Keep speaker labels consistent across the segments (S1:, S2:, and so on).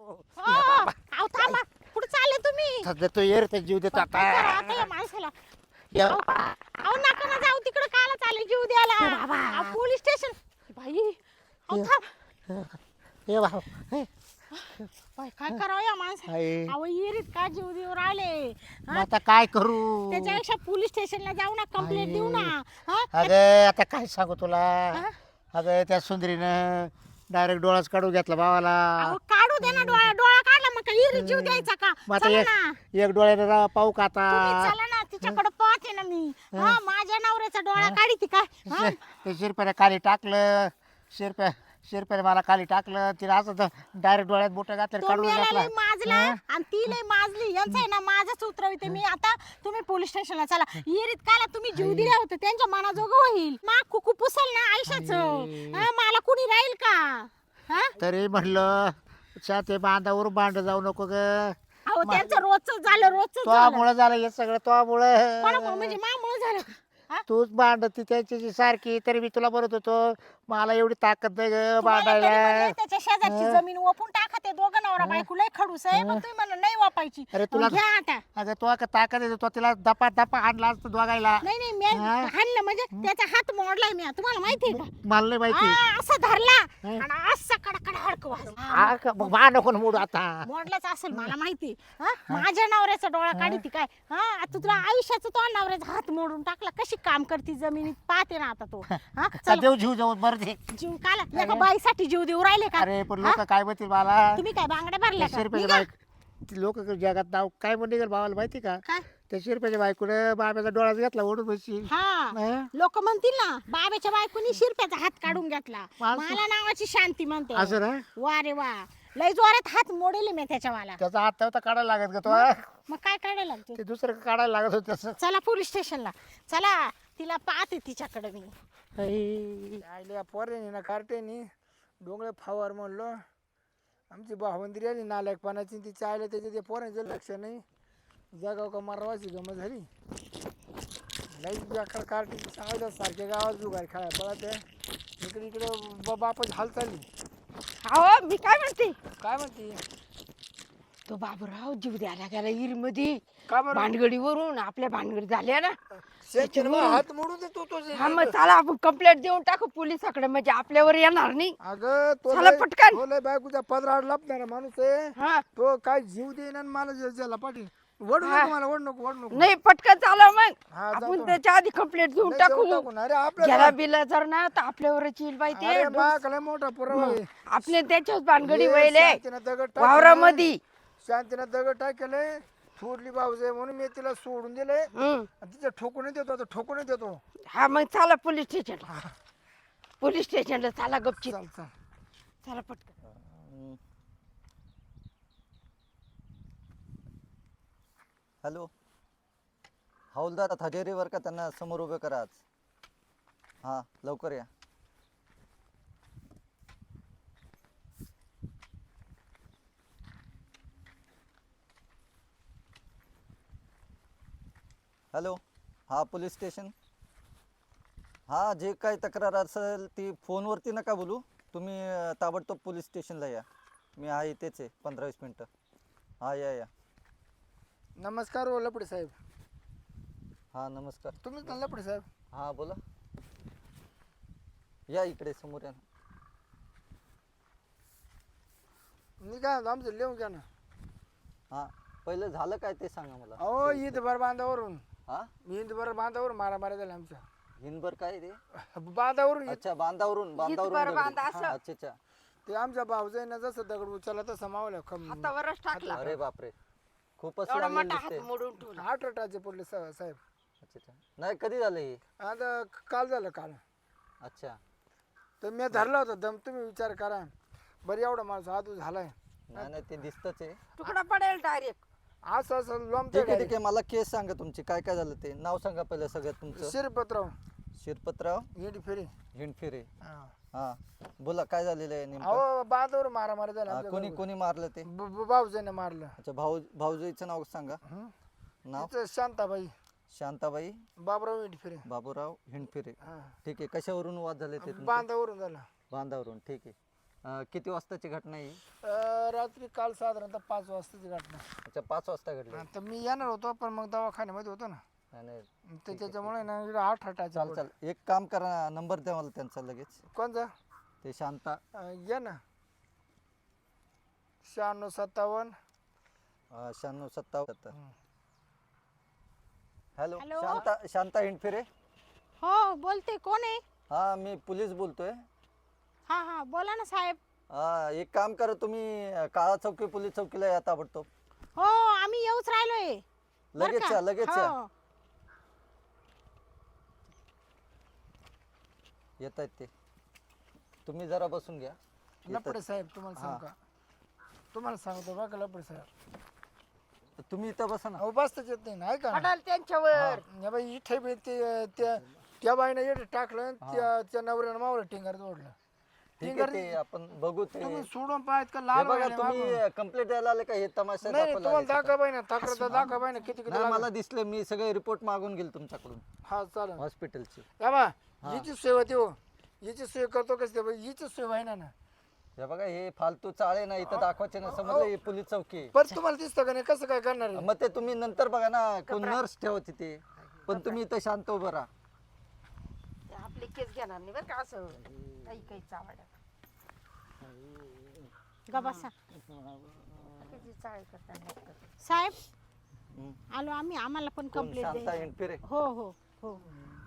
S1: अहो थांबा, कुठे चालले तुम्ही?
S2: सध्या तो येर तर जीव देतो
S1: काय करा
S2: आता
S1: आता या माणसाला?
S2: ये
S1: अहो नका ना जाऊ तिकडे, काला चालले जीव द्यायला?
S2: बाबा.
S1: Police station. बाई अहो
S2: ये.
S1: थांब.
S2: ये भाऊ
S1: बाई, काय करावं या माणसाला?
S2: आई.
S1: अहो येरीत का जीव देऊ राहिले?
S2: मग आता काय करू
S1: त्याच्यापेक्षा पोलीस स्टेशनला जाऊ ना, कंप्लेंट देऊ ना. हा?
S2: अगं आता काय सांगू तुला
S1: हा?
S2: अगं त्या सुंदरीनं डायरेक्ट डोळाच काढून घेतला भावाला
S1: अहो काढू दे ना, डोळा डोळा काढला मग काय येरीत जीव द्यायचा का?
S2: मग आता
S1: चला ना.
S2: एक डोळ्याने पाहू का
S1: तुम्ही
S2: आता
S1: चला ना, तिच्याकडे पाहते ना मी. हा, माझ्या नवऱ्याचा डोळा काढी काय? हा?
S2: ते शिरप्याने खाली टाकलं शिरप्याने मला खाली टाकलं तिला असं डायरेक्ट डोळ्यात बोट घातलं
S1: तो
S2: काढून
S1: मेला
S2: घातला
S1: लय माजला आणि ती लय माजली. यांचं आहे ना माझंच उतरविते मी आता. तुम्ही पोलीस स्टेशनला चला. येरीत काला तुम्ही जीव दिला होता, त्यांच्या मनाजोगं होईल. मा कुकू पुसल ना आयुष्याचं. हा, मला कुणी राहील का? हा?
S2: तरी म्हणलं ते बांधावर भांड जाऊ नको ग
S1: अहो त्यांचं रोजच झालं, रोजच
S2: तो
S1: झालं.
S2: मुळे झालं हे सगळं तो
S1: कोणामुळं?
S2: मुळे
S1: म्हणजे मामुळं झालं का? हा?
S2: तूच भांडती त्याच्याशी सारखी तरी मी तुला बोलत होतो मला एवढी ताकद नाही ग
S1: तुम्हाला तरी म्हणले
S2: भांडायला
S1: त्याच्या शेजारची जमीन ओपून टाका, ते दोघं नवरा बायको लय खडूस आहे, पण तुम्ही म्हणलं नाही वापायची.
S2: अरे तुला-
S1: घ्या आता.
S2: अगं तो का ताकद येतो तो तिला दपा दपा आणला असतो दोघायला
S1: नाही नाही, मी
S2: हा?
S1: हाणलं म्हणजे त्याचा हात मोडलाय मी, तुम्हाला माहितीये का?
S2: मला नाही माहिती
S1: असं धरला
S2: हा?
S1: आणि असं कडकड हडकं वाजलं.
S2: हा का? मग भांड नको ना मोडू आता
S1: मोडलाच असेल मला माहिती. हा? माझ्या नवऱ्याचा डोळा काढी काय? हा, आता तुला आयुष्याचा तो नवऱ्याचा हात मोडून टाकला, कशी काम करती जमिनीत पाहते ना आता तो. हा,
S2: का
S1: चल.
S2: देऊ जीव जाऊन बरं दे
S1: जीव काला एका बाईसाठी जीव देऊ राहिले का?
S2: अरे पण लोक काय म्हणतील मला
S1: तुम्ही काय बांगड्या भरल्या का?
S2: शिरप्याच्या
S1: निघा.
S2: बायक लोक जगात नाव काय म्हणते भावाला माहिती का
S1: काय?
S2: त्या शिरप्याच्या बायकोने बाब्याचा डोळाच घेतला ओढून बसची
S1: हा, लोक म्हणतील ना बाबाच्या बायकोनी शिरप्याचा हात काढून घेतला.
S2: माणसं-
S1: मला नावाची शांती म्हणते.
S2: असं ना
S1: वा रे वा, लय जोरात हात मोडेल मी त्याच्या वाला.
S2: त्याचा हात नव्हता काढायला लागत का तो
S1: मग काय काढायला लागतो?
S2: ते दुसरं काढायला लागत होत त्याचं
S1: चला पोलीस स्टेशनला चला, तिला पाहते तिच्याकडे मी.
S3: आईल्या पोरेनी ना कार्टेनी डोंगळे फावर म्हणलो आमची भावंदिरी आली नालायकपणाची ती चायला त्याच्या ते पोरांचं लक्ष नाही. जगाव का मारवाची गमत झाली. लई बेकार कार्टी सांगायचं सारख्या गावात जुगार खेळाय पळत आहे. इकडे इकडे बापाची हाल चालली.
S1: अहो मी काय म्हणते,
S3: काय म्हणते
S1: तो बाबूराव जीव द्यायला गेला इरीमध्ये
S3: का बरं
S1: भानगडीवरून. आपल्या भानगडी झाल्या ना,
S3: शेतकरी हात मोडून देतो तो
S1: हा मग चला आपण कंप्लेंट देऊन टाकू पोलिसाकडे, म्हणजे आपल्यावर येणार नाही.
S3: अगं तो
S1: चला
S3: लय-
S1: पटकन.
S3: तो लय बायकोच्या पदराड लपणारा माणूस आहे.
S1: हा,
S3: तो काय जीव देईन आणि मला ज्याला पाटील वडू
S1: हा.
S3: नको मला वड नको
S1: नाही पटकन चाला मग.
S3: हा,
S1: आपण
S3: जातो.
S1: त्याच्या आधी कंप्लेंट देऊन
S3: नाही,
S1: टाकू.
S3: देऊन टाकू. अरे
S1: गेला
S3: आपल्या
S1: बिला जर ना तर आपल्यावरच येईल बाई ते.
S3: अरे बाकला मोठा पुरावा आहे.
S1: आपले त्याच्याच भानगडी
S3: ये
S1: वहिले
S3: शांतीनं दगड टाकले.
S1: वावरामध्ये.
S3: शांतीनं दगड टाकले थोडली भाऊजे म्हणून मी तिला सोडून दिले. आणि तिचं ठोकून देतो आता ठोकून देतो.
S1: हा मग चला पोलीस स्टेशनला. पोलीस स्टेशनला चला गपची.
S3: चल चल
S1: चला पटकन.
S4: हॅलो हौलदार हजेरीवर का त्यांना समोर उभे करा आज. हां लवकर या. हॅलो हां पोलीस स्टेशन. हां जे काही तक्रार असेल ती फोनवरती नका बोलू तुम्ही. ताबडतोब पोलीस स्टेशनला या. मी आहे इथेच आहे 15-20 मिनटं. हां या.
S3: नमस्कार हो लपडे साहेब.
S4: हां नमस्कार.
S3: तुम्हीच ना लपडे साहेब.
S4: हां बोला. या इकडे समोर या.
S3: मी काय म्हणतो, आमचं लिहून घ्या ना.
S4: हां पहिलं झालं काय ते सांगा मला.
S3: अहो ईद भर बांधावरून
S4: हां
S3: ईद भर बांधावरून मारामारी झाल्या आमच्या
S4: हिंदभर काय रे.
S3: बांधावरून
S4: अच्छा बांधावरून
S1: इथवर बांधा
S4: दगडी.
S1: असं.
S4: अच्छा.
S3: ते आमच्या भाऊजाईनं जसं दगड उचलला तसं मावल्या
S1: हातावरच टाकला.
S4: अरे बापरे खूपच
S1: एवढा
S4: लागलेलं
S1: मोठा हात
S4: दिसते.
S1: मोडून ठेवला.
S3: 8 रटाचे पडले साहेब.
S4: अच्छा नाही कधी झालं हे.
S3: आता काल झालं काल.
S4: अच्छा
S3: तर मी धरला होता दम. तुम्ही विचार करा बरं एवढा माणूस हात झालाय.
S4: नाही ते दिसतच आहे.
S1: तुकडा पडेल डायरेक्ट.
S3: असं असं
S4: ठीक आहे मला केस सांगा तुमची काय काय झालं ते. नाव सांगा पहिलं सगळ्यात तुमचं.
S3: शिरपतराव
S4: शिरपतराव
S3: हिंड फेरी.
S4: हिंडफिरे. हां बोला काय झालेलं आहे नेमकं.
S3: अहो बांधावर मारामारी झाला
S4: हां,
S3: आमच्या
S4: कोणी
S3: घरावर.
S4: कोणी मारलं ते.
S3: भाऊजाईनं मारलं.
S4: अच्छा भाऊजीचं नाव सांगा. नाव
S3: तिचं शांताबाई
S4: शांताबाई
S3: बाबराव हिंड फेरी.
S4: बाबूराव हिंडफिरे.
S3: हा.
S4: ठीक आहे कशावरून वाद झाले ते तुमचे?
S3: बांधावरून झाला.
S4: बांधावरून ठीक आहे. किती वाजताची घटना आहे ही?
S3: रात्री काल साधारणतः 5 वाजताची घटना.
S4: अच्छा 5 वाजता घडली.
S3: तर मी येणार होतो पण मग दवाखान्यामध्ये होतो ना,
S4: नाही, नाही.
S3: तर त्याच्यामुळे ना इकडं 8
S4: चाल चाल एक काम करा, नंबर द्या मला त्यांचा लगेच.
S3: कोणचा?
S4: ते शांता.
S3: या ना 9657.
S4: 9657. Hello
S1: hello?
S4: शांता हिंडफिरे.
S1: हो बोलते, कोण आहे?
S4: हा मी पोलीस बोलतोय.
S1: हा हा बोला ना साहेब.
S4: हा एक काम करा, तुम्ही काळा चौकी पोलीस चौकीला या ताबडतोब.
S1: हो आम्ही येऊच राहिलोय. बरं
S4: लगेच
S1: का?
S4: या लगेच या.
S1: हो.
S4: येत आहेत ते. तुम्ही जरा बसून घ्या.
S3: लपडे साहेब तुम्हाला सांगू का? तुम्हाला सांगतो बघा लपडे साहेब,
S4: तुम्ही इथं बसा ना.
S3: अहो बसताच येत नाही ना, ऐका ना.
S5: पडाल त्यांच्यावर.
S3: या बाई इथे बी त्या बाईनं येडे टाकलं आणि त्या नवऱ्यानं मावलं टिंगर जोडलं.
S4: ठीक आहे, ते आपण बघू. ते
S3: तुम्ही सोडून पाहत का
S4: हे
S3: लाल
S4: बघा,
S3: व्हायला मागं?
S4: तुम्ही कंप्लेंट द्यायला आले का? हे तमाशा
S3: नाही
S4: दाखवायला
S3: तुम्हाला
S4: आले का?
S3: दाखवा बाई ना, तक्रार दाखवा बाई ना, किती किती
S4: नाही,
S3: लागलं.
S4: मला दिसले, मी सगळे रिपोर्ट मागून गेल तुमच्याकडून
S3: हा चालेल.
S4: हॉस्पिटलची.
S3: या बा हिची सेवा देऊ, हिची सोय करतो कसं बाई, हिची सोय व्हायना ना.
S4: हे बघा, हे फालतू चाळे ना इथं दाखवायचे ना, समजलं? हे पोलीस चौकी आहे.
S3: पण तुम्हाला दिसतं का नाही कसं काय करणार आहे?
S4: मग ते तुम्ही नंतर बघा ना, कोण नर्स ठेवा तिथे, पण तुम्ही इथं शांत उभं राहा.
S5: ते आपली केस घेणार नाही बरं का असं काही काही चावड्या
S1: ग बसा
S5: किती चाळ करतात.
S1: साहेब.
S4: हम्म.
S1: आलो आम्ही, आम्हाला पण
S4: कोण?
S1: कंप्लेंट
S4: शांता हिंडफिरे.
S1: हो हो हो.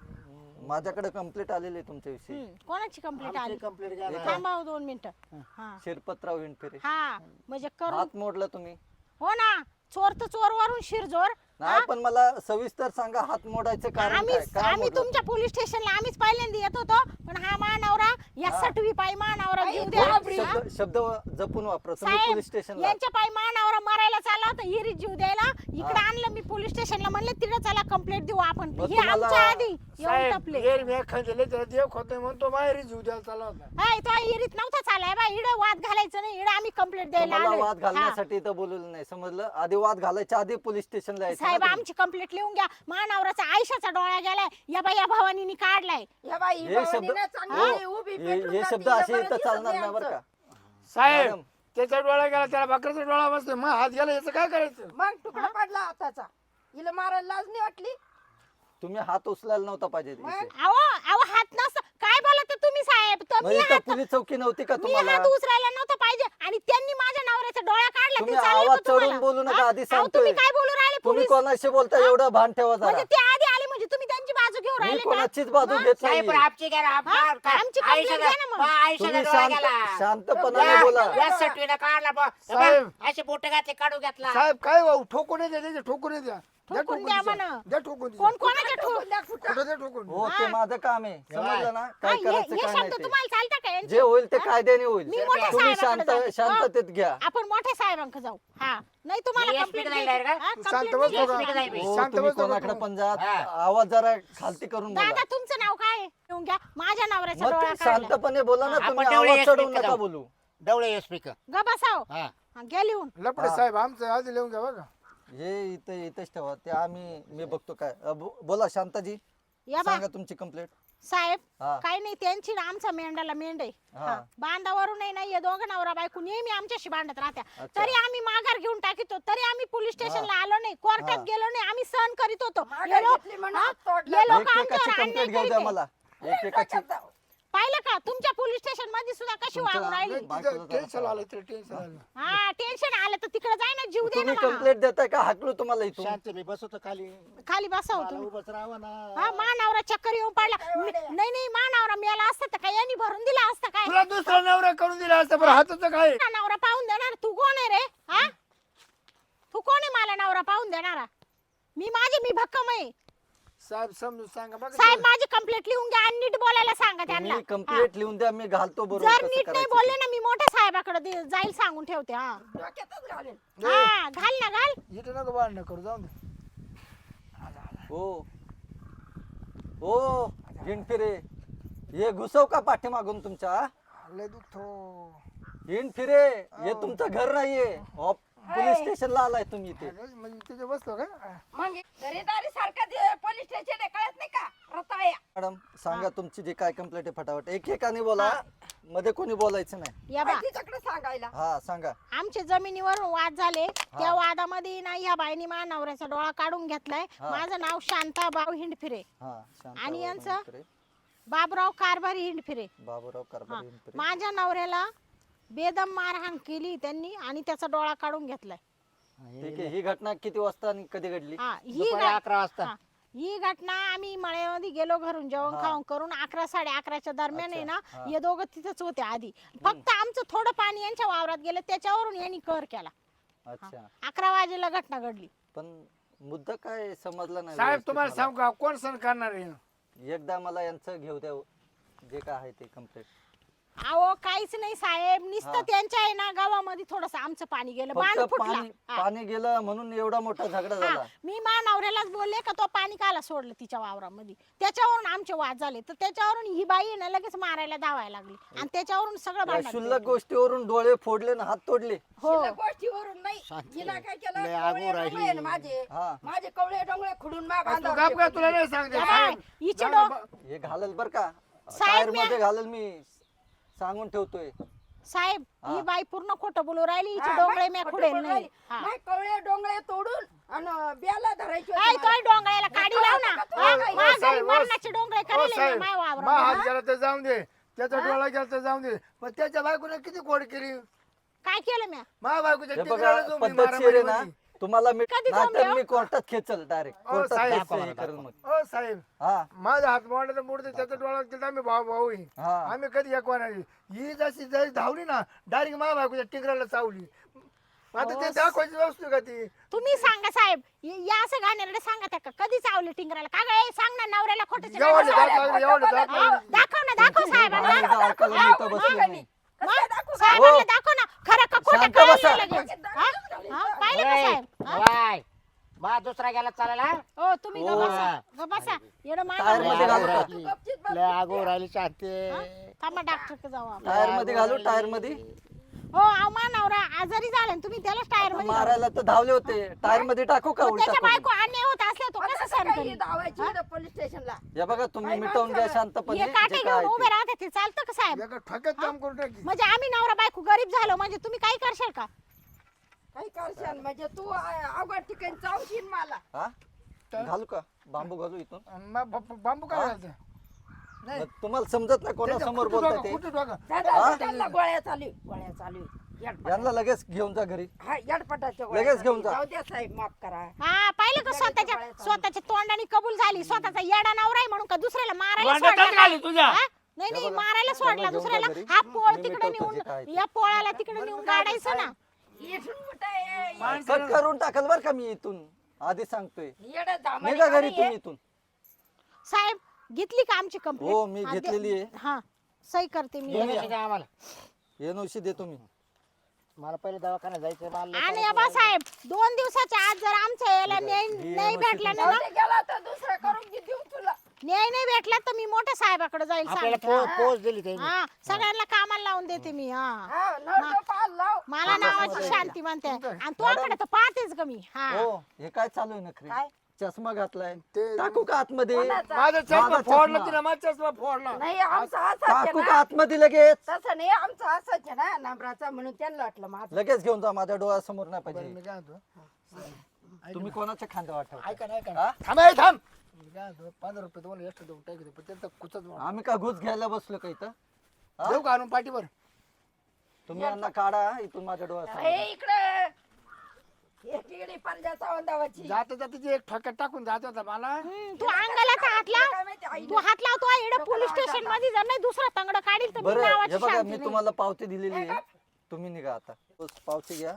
S4: माझ्याकडे कंप्लेंट आलेली आहे तुमच्याविषयी.
S1: कोणाची कंप्लेंट आली?
S2: कंप्लीट घ्या.
S1: थांबा हो 2 मिनिटं. हा
S4: शिरपतराव हिंडफिरे.
S1: हा म्हणजे करू.
S4: हात मोडला तुम्ही.
S1: हो ना, चोर तर चोर वरून शिरजोर.
S4: नाही, पण मला सविस्तर सांगा, हात मोडायचं कारण काय? काय
S1: आम्ही
S4: मोडलं?
S1: तुमच्या पोलीस स्टेशनला आम्हीच पहिल्यांदा येत होतो, पण हा मानवरा या सटवी पायी मानवरा जीव द्या.
S4: शब्द शब्द जपून वापरा तुम्ही
S1: साहेब
S4: पोलीस स्टेशनला.
S1: यांच्या पायी मानवरा मरायला चालला होता, हिरीत जीव द्यायला. इकडे आणलं मी पोलीस स्टेशनला, म्हणले तिथे चला कंप्लेंट देऊ आपण.
S4: मग
S1: हे
S4: तुम्हाला-
S1: आमच्या आधी येऊन
S3: साहेब
S1: टपले.
S3: येर मी खाल्ले त्याला देव खोतोय म्हणून तो माहेरी जीव द्यायला चालला होता.
S1: हाय तो हिरीत नव्हता चालाय बा, इडं वाद घालायचं नाही, इडं आम्ही कंप्लेंट द्यायला
S4: तुम्हाला
S1: आलोय.
S4: वाद
S1: हा.
S4: घालण्यासाठी इथं बोलवलं नाही, समजलं? आधी वाद घालायच्या आधी पोलीस स्टेशनला यायचं ना
S1: साहेब
S4: तुम्ही.
S1: आमची कंप्लेंट लिहून घ्या. मानवराचा आयशाचा डोळा गेलाय, या बाई या भवानीने काढलाय.
S5: या बाई
S4: हे शब्द
S5: भावानीनं चांगली
S4: हो,
S5: उभी
S4: हे
S5: पेटून
S4: हे
S5: जाती,
S4: शब्द
S5: हिला
S4: असे
S5: बरं
S4: इथं
S5: दिसत
S4: चालणार
S5: नाही
S4: नाही बरं
S5: आमचं.
S4: का?
S3: साहेब
S4: मॅडम.
S3: त्याचा डोळा गेला, त्याला बकऱ्याचा डोळा बसतोय, मग हात गेला याचं काय करायचं?
S5: मग तुकडा पडला हाताचा. हिला मारायला लाज नाही वाटली?
S4: तुम्ही हात उचलायला नव्हता पाहिजे इथे.
S1: अहो अहो हात नसतं काय बोलत तुम्ही साहेब? तर
S4: मग
S1: मी
S4: इथं
S1: हात
S4: पोलीस चौकी नव्हती का
S1: मी
S4: तुम्हाला?
S1: हात उचलायला नव्हतं पाहिजे आणि त्यांनी माझ्या नवऱ्याचा डोळा काढला.
S4: तुम्ही
S1: ते चालले
S4: आवाज
S1: का तुम्हाला?
S4: चढवून बोलू नका,
S1: हा?
S4: आधी
S1: अहो,
S4: सांगतोय.
S1: तुम्ही काय बोलू राहिले?
S4: तुम्ही
S1: पोलीस
S4: कोणाशी बोलता एवढं भान ठेवा जरा.
S1: म्हणजे ते आधी आले म्हणजे तुम्ही त्यांची बाजू घेऊन
S4: मी
S1: राहिले का?
S4: कोणाचीच बाजू
S1: हा?
S4: घेत
S6: साहेब पण
S4: नाही.
S6: आमची घ्या ना,
S1: हा?
S6: मार का?
S1: आमची complaint
S6: आयुष्याचा-
S1: घ्या ना मग.
S6: बा, आयुष्याचा
S4: तुम्ही
S6: डोळा गेला.
S4: शांतपणाने बोला.
S6: या सटवीनं काढला बा.
S3: साहेब.
S6: बा, असे बोट घातले, काढू घेतला.
S3: साहेब काय भाऊ ठोकून द्या, त्याचे ठोकून द्या. द्या
S1: ठोकून
S3: ठोकून
S1: द्या
S3: द्या.
S1: म्हणा.
S3: द्या ठोकून
S1: कोण कोणाच्या ठो-
S3: कुठं द्या ठोकून.
S4: हो, ते माझं काम आहे, समजलं ना?
S1: हा,
S4: काय
S1: हे
S4: करायचं
S1: हे
S4: काय
S1: शब्द
S4: नाही
S1: तुम्हाला चालता का
S4: ते.
S1: यांचे?
S4: जे होईल ते कायद्याने होईल.
S1: मी मोठ्या
S4: तुम्ही
S1: साहेबांकडे जाऊ.
S4: शांततेत घ्या.
S1: आपण मोठ्या साहेबांकडे जाऊ. हा नाही तुम्हाला
S6: मी SP
S1: कंप्लेंट
S6: ला जाईल का?
S3: शांत बस
S6: Yes,
S3: बघा.
S6: मी जाईल.
S4: हो,
S3: शांत
S4: तुम्ही
S3: बस बघा
S4: कोणाकडे
S3: तुम्ही.
S4: पण जा,
S6: हा.
S4: आवाज जरा खालती करून बोला.
S1: दादा तुमचं नाव काय आहे? येऊन घ्या. माझ्या नवऱ्याचा
S4: मग
S1: डोळा
S4: ते
S1: काढला.
S4: शांतपणे बोला ना,
S6: आपण
S4: तुम्ही
S6: तेवढे
S4: आवाज
S6: SP
S4: चढवून
S6: का
S4: नका
S6: जाऊ?
S4: बोलू.
S6: डवळे स्पीकर.
S1: ग बसाव.
S6: हा.
S1: हा, घ्या लिहून.
S3: लपडे
S4: हा.
S3: साहेब आमचं आधी लिहून घ्या बघा.
S4: हे इथेच ठेवा, ते मी बघतो काय. बोला शांताजी,
S1: या बा
S4: सांगा तुमची कंप्लेंट.
S1: साहेब
S4: हा.
S1: काही नाही त्यांची ना आमचा मेंढाला मेंढ आहे.
S4: हा.
S1: हा. बांधावरून नाही हे दोघं नवरा बायको नेहमी आमच्याशी भांडत राहत्या.
S4: अच्छा.
S1: तरी आम्ही माघार घेऊन टाकितो, तरी आम्ही पोलीस स्टेशनला आलो नाही, कोर्टात
S4: हा.
S1: गेलो नाही, आम्ही सहन करीत होतो.
S5: माघार
S1: हे लोक-
S5: घेतली म्हणून
S1: हा?
S5: हात तोडला.
S1: हे लोक
S4: एकेकाची
S1: आमच्यावर अन्याय
S4: कंप्लेंट घेऊ द्या
S1: करीत आहे.
S4: मला. एकेकाची.
S1: पाहिलं का तुमच्या पोलीस स्टेशन मध्ये सुद्धा कशी
S4: तुमच्या-
S1: वागून राहिली.
S4: बायकोला
S3: तिथं टेन्शन आलं तर टेन्शन आलं.
S1: हा टेन्शन आलं तर तिकडे जाय ना, जीव दे
S4: तुम्ही
S1: ना मला.
S4: कंप्लेंट देताय का हाकलू तुम्हाला इथून?
S2: शांत मी बसवतो खाली.
S1: खाली बसाव
S2: मला
S1: तुम्ही.
S2: उभंच राहावं ना.
S1: हा मानावरा चक्कर येऊन पडला. नाही मानावरा मेला असता तर काय यांनी भरून दिला असता काय?
S3: तुला दुसरा नवरा करून दिला असता बरं हाताचं काय?
S1: नवरा पाहून देणार तू कोण आहे रे? हा तू कोण आहे मला नवरा पाहून देणारा? मी भक्कम आहे.
S3: साहेब समजून सांगा बघा.
S1: साहेब माझी कंप्लेंट लिहून घ्या आणि नीट बोलायला सांगा त्यांना.
S4: तुम्ही कंप्लेंट लिहून द्या, मी घालतो
S1: हा.
S4: बरोबर
S1: जर
S4: कसं
S1: नीट नाही
S4: करायचं
S1: बोलले
S4: ते.
S1: ना मी मोठ्या साहेबाकडे जाईल सांगून ठेवते. हा
S5: डोक्यातच घालेल.
S1: हा घाल ना घाल.
S3: इथं नको भांडणं करू जाऊन दे.
S4: हो हो हिंडफिरे, हे घुसव का पाठीमागून तुमच्या?
S3: लय दुखतो.
S4: हिंडफिरे, हे तुमचं घर नाहीये. पोलीस स्टेशनला आलाय तुम्ही इथे.
S3: म्हणजे तिथे बसतो का?
S5: मग घरेदारी सारखा पोलीस स्टेशन आहे, कळत नाही का? रताळ्या.
S4: मॅडम सांगा तुमची जी काय कंप्लेंट आहे फटाफट, एकेकाने बोला. मध्ये कोणी बोलायचं नाही.
S1: या बा
S5: तिच्याकडे सांगायला.
S4: हा सांगा.
S1: आमच्या जमिनीवर वाद झाले त्या वादामध्ये ना ह्या बाईनी माझ्या नवऱ्याचा डोळा काढून घेतलाय.
S4: हा.
S1: माझं नाव शांताबाई हिंडफिरे,
S4: हा शांत
S1: आणि
S4: बाबा
S1: यांचं?
S4: हिंदुरे,
S1: बाबराव कारभारी हिंडफिरे.
S4: बाबूराव
S1: हा.
S4: कारभारी हिंदुरे.
S1: माझ्या नवऱ्याला बेदम मारहाण केली त्यांनी आणि त्याचा डोळा काढून घेतलाय.
S4: ठीक आहे. ही घटना किती वाजता आणि कधी घडली?
S1: हा ही
S6: दुपारी
S1: घट-
S6: 11 वाजता.
S1: हा. ही घटना आम्ही मळ्यामध्ये गेलो घरून जेवण
S4: हा.
S1: खाऊन करून 11 11:30च्या दरम्यान आहे
S4: अच्छा,
S1: ना
S4: हा.
S1: हे दोघं तिथंच होते आधी. फक्त आमचं थोडं पाणी यांच्या वावरात गेलं त्याच्यावरून यांनी कर केला.
S4: अच्छा
S1: 11 वाजेला घटना घडली.
S4: पण मुद्दा काय समजला नाही
S3: साहेब
S4: व्यवस्थित
S3: तुम्हाला
S4: मला.
S3: सांगू का कोण सण करणार आहे?
S4: एकदा मला यांचं घेऊ द्या जे काय आहे ते कम्प्लीट.
S1: अहो काहीच नाही साहेब,
S4: हा.
S1: नुसतं त्यांच्या आहे ना गावामध्ये थोडस आमचं पाणी गेलं, बाण
S4: फक्त
S1: फुटला.
S4: पाणी
S1: हा.
S4: पाणी गेलं म्हणून एवढा मोठा झगडा
S1: हा.
S4: झाला.
S1: मी माझ्या नवऱ्यालाच बोलले का तो पाणी काला सोडलं तिच्या वावरामध्ये, त्याच्यावरून आमचे वाद झाले. तर त्याच्यावरून ही बाई आहे ना लगेच मारायला धावायला लागली आणि त्याच्यावरून सगळं
S4: या
S1: भांडण
S4: क्षुल्लक
S1: पेटलं.
S4: गोष्टीवरून डोळे फोडले ना हात तोडले.
S1: हो
S5: शिल्लक गोष्टीवरून नाही. हिला काय केलं?
S6: लय
S5: कवळे
S6: आगू राहिली.
S5: डोंगळे आहे ना माझे.
S4: हा
S5: माझे कवळे डोंगळे खुडून मा
S3: तू
S5: बांधावर
S3: गप का
S5: टेकून
S3: तुला
S5: दिले.
S3: नाही सांगते
S1: या बाई, हिचे
S3: साहेब
S4: हे घालल बर का
S1: साहेब,
S4: टायर मध्ये घालल मी सांगून ठेवतोय.
S1: साहेब
S4: हा.
S1: ही बाई पूर्ण खोटं बोलू राहिली, हिचे
S5: हा,
S1: डोंगळे
S5: बाई,
S1: मी
S5: खोटं
S1: खुडेल
S5: बोलू
S1: नाही.
S5: राहिली.
S1: हा.
S5: माय कवळे डोंगळे तोडून आणि ब्याला धरायचे होते
S1: काय
S5: मला.
S1: तोय डोंगळ्याला काढी लाव ना. हा,
S5: ओ,
S1: माझ्या घरी
S3: साहेब,
S1: मरणाचे डोंगळे
S3: ओ
S1: करेल
S3: साहेब,
S1: माय
S3: मा हात
S1: वावरामध्ये.
S3: गेला तर जाऊन दे, त्याचा डोळा गेला तर जाऊन दे, पण त्याच्या बायकोने किती कोड केली.
S1: काय केलं मी?
S3: मा बायकोच्या
S4: हे
S3: टिकऱ्याला
S4: बघा
S3: जो मी
S4: पद्धतशीर आहे ना
S3: मारामारी
S4: तुम्हाला मी
S1: कधी
S4: नाहीतर
S1: जमलं?
S4: मी कोर्टात खेचल डायरेक्ट
S3: ओ,
S4: कोर्टात
S3: साहेब,
S4: केस हे करेल मग.
S3: होती. ओ साहेब
S4: हा
S3: माझा हात मोडला तर मोडते, त्याचा डोळा केला आम्ही भाऊ भाऊ आहे.
S4: हा
S3: आम्ही कधी एकवानाची ही जशी धावली ना डायरेक्ट मा बायकोच्या टिकऱ्याला चावली. आता ते दाखवायची वस्तू का ती?
S1: तुम्ही सांगा साहेब, या असं गाण्याला सांगा त्या का कधी चावले टिंगराला का गं? सांग ना नवऱ्याला खोटं
S3: एवढं दाखवायचं, एवढं दाखवायचं.
S1: दाखव ना, दाखव साहेबांना.
S4: आणि एकदा ऐकायला मी इथं बसलो नाही.
S1: मग साहेबांना दाखव ना खरं का खोटं
S4: शांत
S1: कळलं
S4: बसा.
S1: लगेच. हा? हा? पाहिलं का साहेब? हा?
S6: वाय बा दुसरा गेला चालेल हा?
S1: हो तुम्ही
S4: हो.
S1: बसा येडं
S4: टायर मध्ये
S1: मान
S4: घालू का?
S5: तू गपचीत बस.
S6: लय आगो राहिली शांती.
S1: थांबा डॉक्टर जाऊ आपण.
S4: टायर मध्ये घालू टायर मध्ये
S1: हो अहो मा नवरा आजारी झाला आणि तुम्ही त्यालाच टायर मध्ये घाला.
S4: मारायला तर धावले होते टायर मध्ये टाकू का
S1: मग
S4: उलटा
S1: त्याच्या
S4: करून?
S1: बायको अन्याय होत असल्या तो
S5: आता
S1: कसं सहन
S5: सकाळी
S1: करेल?
S5: धावायची इथं पोलीस स्टेशनला.
S4: या बघा तुम्ही
S5: काय
S4: मिटवून घ्या
S5: माणसं?
S4: शांतपणे
S1: हे काटे
S4: जे काय
S1: घेऊन
S4: आहे
S1: उभे
S4: ते.
S1: राहते ते चालतं का साहेब?
S3: एका ठोक्यात काम करून टाकी.
S1: म्हणजे आम्ही नवरा बायको गरीब झालो म्हणजे तुम्ही काही करशाल का?
S5: काही करशाल म्हणजे तू अवघड ठिकाणी चावशील मला.
S4: हा घालू का बांबू घालू इथून
S3: आणि मग बांबू काय
S4: हा?
S3: घालायचं? नाही
S4: मग तुम्हाला समजत नाही कोणासमोर
S3: कुठं
S4: बोलताय
S3: डोकं,
S4: ते
S3: कुठं डोकं?
S5: त्यांना गोळ्या चालू आहे, गोळ्या चालू आहे. येडपटाच्या.
S4: यांना लगेच घेऊन जा घरी
S5: हा येडपटाच्या गोळ्या
S4: लगेच
S5: चालू
S4: घेऊन जा.
S5: आहे. जाऊ द्या साहेब माफ करा.
S1: हा पाहिलं का स्वतःच्या तोंडाने कबूल झाली स्वतःचा येडा नवरा आहे म्हणून का दुसऱ्याला मारायला
S3: वांड्यातच
S1: सोडला?
S3: घाली तुझ्या.
S1: हा? नाही
S4: हे
S1: नाही
S4: बघा,
S1: मारायला
S4: त्यांना
S1: सोडला
S4: घेऊन जा
S1: दुसऱ्याला.
S4: घरी.
S1: हा पोळ
S4: मी
S1: तिकडे
S4: मिटवतो जे काय
S1: नेऊन
S4: ते.
S1: या पोळाला तिकडे नेऊन गाडायचं ना.
S5: इथून कुठं आहे?
S4: कट करून टाकल बर का मी इथून आधी सांगतोय
S5: येडं दामाने
S4: निघा घरी
S5: खाली
S4: तुम्ही
S5: आहे.
S4: इथून.
S1: साहेब घेतली का आमची कंप्लेंट?
S4: हो, मी घेतलेली आहे.
S1: हा सही करते मी.
S6: दोन्ही शिका आम्हाला.
S4: एनओसी दे तुम्ही.
S6: मला पहिले दवाखान्यात जायचं मला लय
S1: आणि बा साहेब 2 दिवसाच्या आत जर आमच्या याला न्याय
S4: ही
S1: नाही
S4: NOC
S1: भेटला ना
S5: जाऊ दे, गेला तर दुसरा करून देऊ तुला.
S1: न्याय नाही भेटला तर मी मोठ्या साहेबाकडे जाईल
S6: आपल्याला
S1: सांगते.
S6: पोच दिली त्यांनी.
S1: हा सगळ्यांना कामाला लावून देते मी. हा
S5: हा नळ पाल लाव.
S1: मला नावाची शांती म्हणते आणि तुझ्याकडे तर पाहतेच ग मी. हा
S4: हो हे काय चालू आहे नखरे
S5: काय?
S4: चष्मा घातलाय
S3: ते-
S4: टाकू का आतमध्ये
S5: कोणाचा?
S3: माझा चष्मा
S4: माझा
S3: फोडला
S4: चष्मा.
S3: तिला, माझा चष्मा फोडला.
S5: नाही आमचा असाच
S4: टाकू
S5: आहे
S4: का
S5: ना.
S4: आतमध्ये लगेच
S5: तसं नाही आमचा असाच आहे ना नंबराचा म्हणून त्यांना वाटलं माझं.
S4: लगेच घेऊन जा माझ्या डोळ्यासमोर नाही
S3: बरं,
S4: पाहिजे
S3: मी काय म्हणतो,
S4: तुम्ही कोणाच्या खांद्या वाटव
S3: ऐका ना, ऐका
S4: हा?
S3: ना. थांब आहे, थांब. मी काय म्हणतो, 15 रुपये तुम्हाला extra देऊन टाकतो, पण त्यांचा कुचच मार.
S4: आम्ही का घुस घ्यायला बसलो का इथं हा?
S3: देऊ का आणून पाठीवर?
S4: तुम्ही यांना काढा इथून माझ्या डोळ्यासमोर
S5: हे इकडे एक इकडे पंजाचा वंदावाची.
S3: जाता जाता जे एक ठोक्यात टाकून जात होता मला.
S1: तू अंगाला तर हात लाव.
S5: काय माहिती आई
S1: तू हात लावतो इकडे पोलीस स्टेशन मध्ये जर नाही दुसरा तंगड काढील तर मी
S4: बरं
S1: नावाची
S4: हे बघा
S1: शांती
S4: मी
S1: नाही.
S4: तुम्हाला पावती दिलेली आहे तुम्ही निघा आता बस, पावती घ्या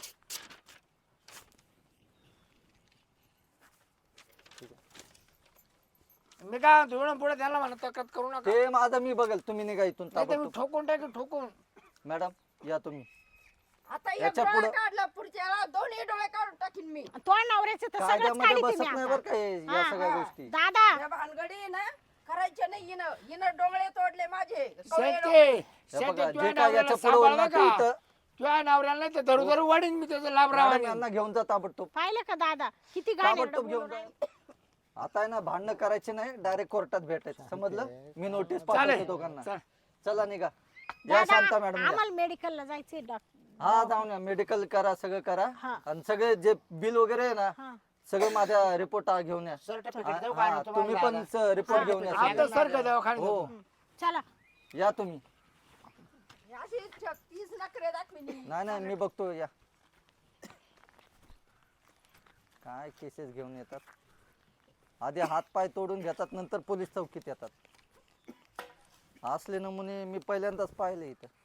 S3: मी काय म्हणतो, एवढं पुढे त्यांना म्हणा तक्रार करू नका.
S4: ते माझं मी बघेल तुम्ही निघा इथून
S3: नाही तर मी
S4: ताबडतोब.
S3: ठोकून टाकेन, ठोकून.
S4: मॅडम या तुम्ही
S5: आता एक
S4: याच्या
S5: डोळा
S4: पुढं-
S5: काढला पुढच्या दोन्ही डोळे काढून टाकीन मी.
S1: तो नवऱ्याचं तर सगळंच
S4: कायद्यामध्ये
S1: काढीते
S4: बसत
S1: मी
S4: नाही
S1: आता.
S4: बरं का हे- या
S1: हा,
S4: सगळ्या
S5: हा.
S4: गोष्टी
S1: दादा
S5: या भानगडी ना करायचे नाही हिनं डोळे तोडले माझे. कवळे
S3: शेते,
S5: डोळे.
S4: हे
S3: शेते,
S4: बघा
S3: तुझ्या
S4: जे काय
S3: नवऱ्याला
S4: याच्या पुढे
S3: सांभाळ
S4: होणार
S3: बरं
S4: ते
S3: का?
S4: इथं
S3: तुझ्या नवऱ्याला नाही तर धरू धरू वाढीन मी त्याचं लाभ
S4: मॅडम
S3: राहणार.
S4: यांना घेऊन जा ताबडतोब
S1: पाहिलं का दादा किती गाणे
S4: ताबडतोब घेऊन जा आता आहे ना भांडणं करायचे नाही डायरेक्ट कोर्टात भेटायचं समजलं मी नोटीस पाठवतो
S3: चालेल.
S4: दोघांना
S3: चालेल.
S4: चला निघा या
S1: दादा,
S4: शांता मॅडम या.
S1: आम्हाला मेडिकलला जायचंय डॉक्टर.
S4: हा जाऊन या मेडिकल करा सगळं करा
S1: हा.
S4: आणि सगळे जे बिल वगैरे आहे ना
S1: हा.
S4: सगळं माझ्या रिपोर्ट घेऊन या
S6: सर्टिफिकेट देऊ का
S4: हा,
S6: आणून
S4: तुम्ही
S6: तुम्हाला
S4: पण रिपोर्ट घेऊन या
S3: आता
S4: सगळे.
S3: सारखं दवाखान्यात
S4: हो
S3: जातो.
S1: चला.
S4: या तुम्ही
S5: अशी 36 नखरे दाखविली.
S4: नाही नाही मी बघतो या काय केसेस घेऊन येतात आधी हात पाय तोडून घेतात नंतर पोलीस चौकीत येतात असले नमुने मी पहिल्यांदाच पाहिले इथं